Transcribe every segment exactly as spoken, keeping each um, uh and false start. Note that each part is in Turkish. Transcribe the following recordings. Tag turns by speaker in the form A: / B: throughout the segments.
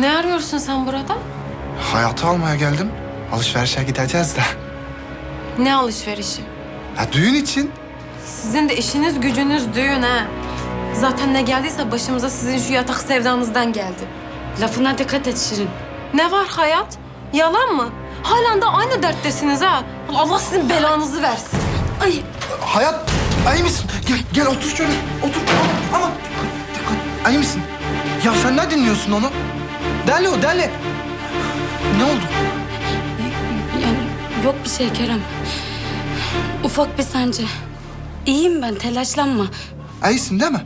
A: Ne arıyorsun sen burada?
B: Hayatı almaya geldim. Alışverişe gideceğiz de.
A: Ne alışverişi?
B: Ya düğün için.
A: Sizin de işiniz gücünüz düğün ha. Zaten ne geldiyse başımıza sizin şu yatak sevdanızdan geldi.
C: Lafına dikkat et Şirin.
A: Ne var hayat? Yalan mı? Halen de aynı derttesiniz ha. Allah sizin belanızı versin. Ay
B: Hayat, iyi misin? Gel, gel otur şöyle. Otur. Aman, aman. Dikkat. İyi misin? Ya sen ne dinliyorsun onu? Deli o, deli. Ne oldu?
C: Yani yok bir şey Kerem. Ufak bir sancı. İyiyim ben, telaşlanma.
B: İyisin değil mi?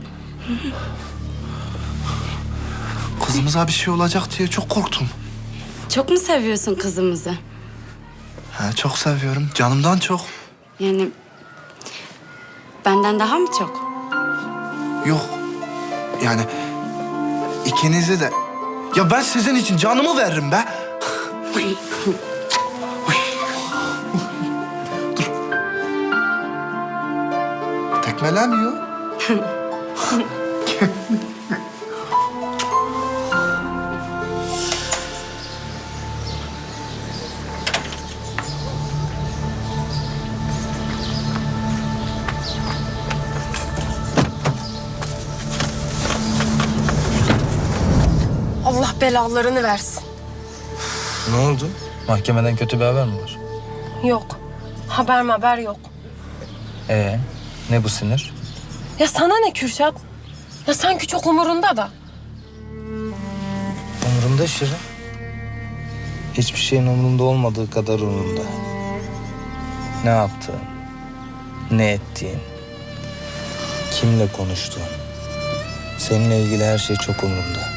B: Kızımıza bir şey olacak diye çok korktum.
C: Çok mu seviyorsun kızımızı?
B: Ha, çok seviyorum. Canımdan çok.
C: Yani benden daha mı çok?
B: Yok. Yani ikinizi de... Ya ben sizin için canımı veririm be. Dur. Tekmelemiyor.
A: Allah belalarını versin.
D: Ne oldu? Mahkemeden kötü bir haber mi var?
A: Yok. Haber haber yok.
D: Ee, ne bu sinir?
A: Ya sana ne Kürşat? Ya sanki çok umurunda da.
D: Umurumda Şirin. Hiçbir şeyin umurumda olmadığı kadar umurumda. Ne yaptığın, ne ettiğin, kimle konuştuğun. Seninle ilgili her şey çok umurumda.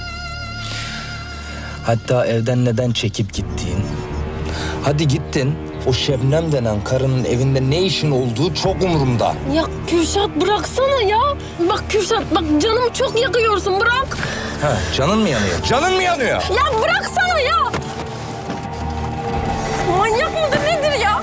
D: Hatta evden neden çekip gittiğin. Hadi gittin, o Şebnem denen karının evinde ne işin olduğu çok umurumda.
A: Ya Kürşat bıraksana ya. Bak Kürşat bak canımı çok yakıyorsun bırak.
D: Ha, canın mı yanıyor? Canın mı yanıyor?
A: Ya bıraksana ya. Manyak mıdır nedir ya?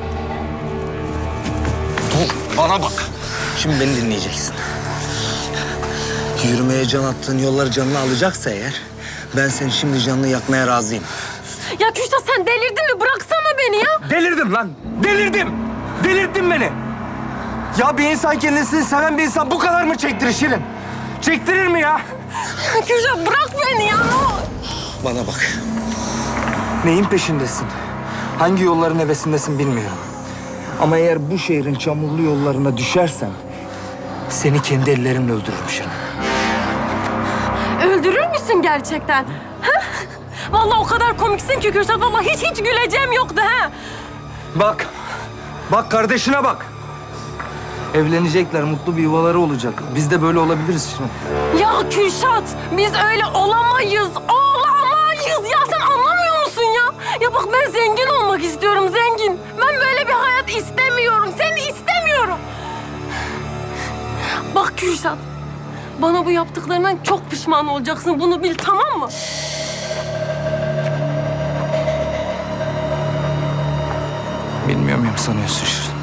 D: Dur, bana bak. Şimdi beni dinleyeceksin. Yürümeye can attığın yolları canına alacaksa eğer... ben seni şimdi canını yakmaya razıyım.
A: Ya Kürşat sen delirdin mi? Bıraksana beni ya.
E: Delirdim lan. Delirdim. Delirttin beni. Ya bir insan kendisini seven bir insan bu kadar mı çektirir Şirin? Çektirir mi ya?
A: Ya Kürşat bırak beni ya.
D: Bana bak.
E: Neyin peşindesin? Hangi yolların hevesindesin bilmiyorum. Ama eğer bu şehrin çamurlu yollarına düşersen... seni kendi ellerimle öldürürüm Şirin.
A: Öldürür müsün gerçekten? Ha? Vallahi o kadar komiksin ki Kürşat. Vallahi hiç hiç güleceğim yoktu ha.
E: Bak. Bak kardeşine bak. Evlenecekler, mutlu bir yuvaları olacak. Biz de böyle olabiliriz Şirin.
A: Ya Kürşat biz öyle olamayız. Olamayız ya sen anlamıyor musun ya? Ya bak ben zengin olmak istiyorum zengin. Ben böyle bir hayat istemiyorum. Seni istemiyorum. Bak Kürşat. Bana bu yaptıklarından çok pişman olacaksın. Bunu bil tamam mı?
E: Bilmiyor muyum sanıyorsun Şirin?